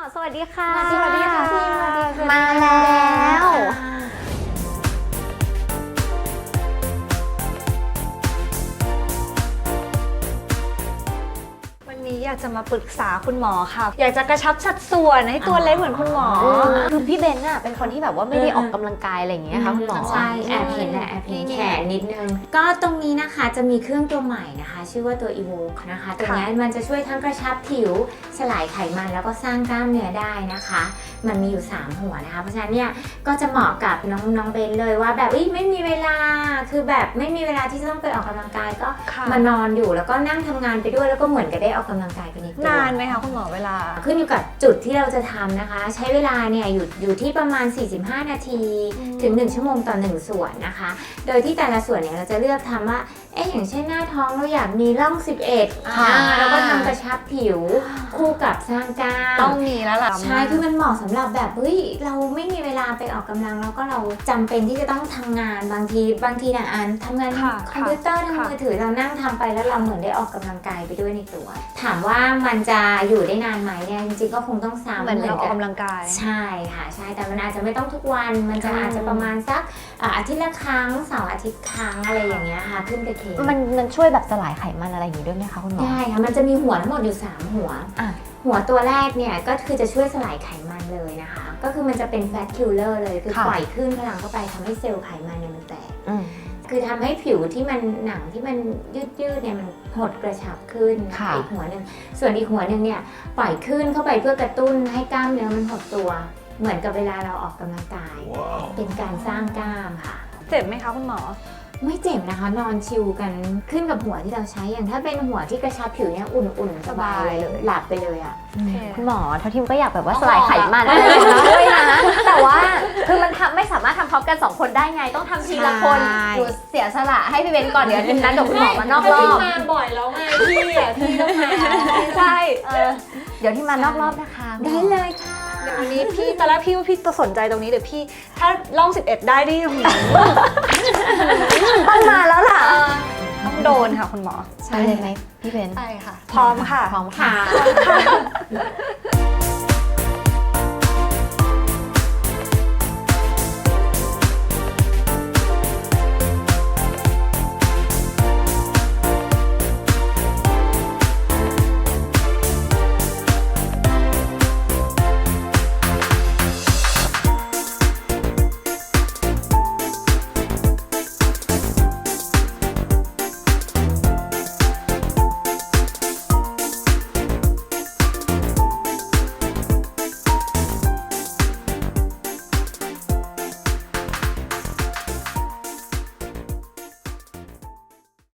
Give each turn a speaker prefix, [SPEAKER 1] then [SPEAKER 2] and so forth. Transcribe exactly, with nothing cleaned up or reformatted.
[SPEAKER 1] สวัสดีค่ะ
[SPEAKER 2] สวัสดีค่ะพี่
[SPEAKER 1] มาแล้ว วันนี้อยากจะมาปรึกษาคุณหมอค่ะอยากจะกระชับสัดส่วนให้ตัวเล็กเหมือนคุณหมอคือพี่เบนน่ะเป็นคนที่แบบว่าไม่ได้ออกกำลังกายอะไรอย่างเงี้ยค่ะคุณหมอ
[SPEAKER 2] ใช่แอบเห็นแหละแอบเห็นแขนนิดนึงก็ตรงนี้นะคะจะมีเครื่องตัวใหม่นะคะชื่อว่าตัว Evoke นะคะตัวนี้มันจะช่วยทั้งกระชับผิวสลายไขมันแล้วก็สร้างกล้ามเนื้อได้นะคะมันมีอยู่สามหัวนะคะเพราะฉะนั้นเนี่ยก็จะเหมาะกับน้องน้องเบนเลยว่าแบบไม่มีเวลาคือแบบไม่มีเวลาที่จะต้องไปออกกำลังกายก็มานอนอยู่แล้วก็นั่งทำงานไปด้วยแล้วก็เหมือนกับได้ออกกำลังกายไปในตัวน
[SPEAKER 1] านไหมคะคุณหมอเวลา
[SPEAKER 2] ขึ้นอยู่กับจุดที่เราจะทำนะคะใช้เวลาเนี่ยอยู่อยู่ที่ประมาณสี่สิบห้านาทีถึงหนึ่งชั่วโมงต่อหนึ่งส่วนนะคะโดยที่แต่ละส่วนเนี่ยเราจะเลือกทำว่าเอ๊ะอย่างเช่นหน้าท้องเราอยากมีร่องสิบเอ็ดอ่าแล้วก็ทำกระชับผิวคู่กับสร้างกล้าม
[SPEAKER 1] ต้องมีแล้วล่ะ
[SPEAKER 2] ใช่คือมันเหมาะสำหรับแบบเฮ้ยเราไม่มีเวลาไปออกกำลังแล้วก็เราจำเป็นที่จะต้องทำงานบางทีบางทีนะอ่านทำงานคอมพิวเตอร์ทางมือถือเรานั่งทำไปแล้วเราเหมือนได้ออกกำลังกายไปด้วยในตัวถามว่ามันจะอยู่ได้นานไหมเนี่ยจริงๆก็คงต้องซ้ำ
[SPEAKER 1] เหมือนเราออกกำลังกาย
[SPEAKER 2] ใช่ค่ะใช่แต่มันอาจจะไม่ต้องทุกวันมันจะอาจจะประมาณสักอาทิตย์ละครั้งเสาร์อาทิตย์ครั้งอะไรอย่างเงี้ยค่ะขึ้นกับเคส
[SPEAKER 1] มันมันช่วยแบบสลายไขมันอะไรอย่างงี้ด้วยไหมคะคุณหมอ
[SPEAKER 2] ได้ค่ะมันจะมีหัวทั้งหมดอยู่สามหัวหัวตัวแรกเนี่ยก็คือจะช่วยสลายไขมันเลยนะคะก็คือมันจะเป็น fat killer เลยคือปล่อยคลื่นพลังเข้าไปทำให้เซลล์ไขมันเนี่ยมันแตกคือทำให้ผิวที่มันหนังที่มันยืดยืดเนี่ยมันหดกระชับขึ้นอีกหัวหนึ่งส่วนอีกหัวหนึ่งเนี่ยปล่อยคลื่นเข้าไปเพื่อกระตุ้นให้กล้ามเนื้อมันหดตัวเหมือนกับเวลาเราออกกำลังกาย wow. เป็นการสร้างกล้ามค่ะ
[SPEAKER 1] เจ็บไหมคะคุณหมอ
[SPEAKER 2] ไม่เจ็บนะคะนอนชิลกันขึ้นกับหัวที่เราใช้อย่างถ้าเป็นหัวที่กระชับผิวเนี่ยอุ่นๆสบายเลยหลับไปเลยอ่ะ
[SPEAKER 1] คุณหมอเท่าที่ก็อยากแบบว่าสลายไขมันอะไรอย่างเงี้ยด้วยนะแต่ว่าคือมันทำไม่สามารถทำพร้อมกันสองคนได้ไงต้องทำทีละคนหนูเสียสละให้พี่เบนก่อนเดี๋ยวนัดกับคุณหมอมานอกรอบ
[SPEAKER 3] มาบ่อยแล้วไงพี่อ่ะพี่ต้องมา
[SPEAKER 1] ใช่เดี๋ยวที่มานอกรอบนะคะ
[SPEAKER 2] ได้เลยค่ะ
[SPEAKER 1] เดี๋ยววันนี้พี่ตอนแรกพี่ว่าพี่จะสนใจตรงนี้เดี๋ยวพี่ถ้าล่องสิบเอ็ดได้ดิต้องมาแล้วล่ะต้องโดนค่ะคุณหมอ
[SPEAKER 2] ใช่เลยไหมพี่เบน
[SPEAKER 1] ใช่ค่ะพร้อมค่ะ
[SPEAKER 2] พร้อมค่ะ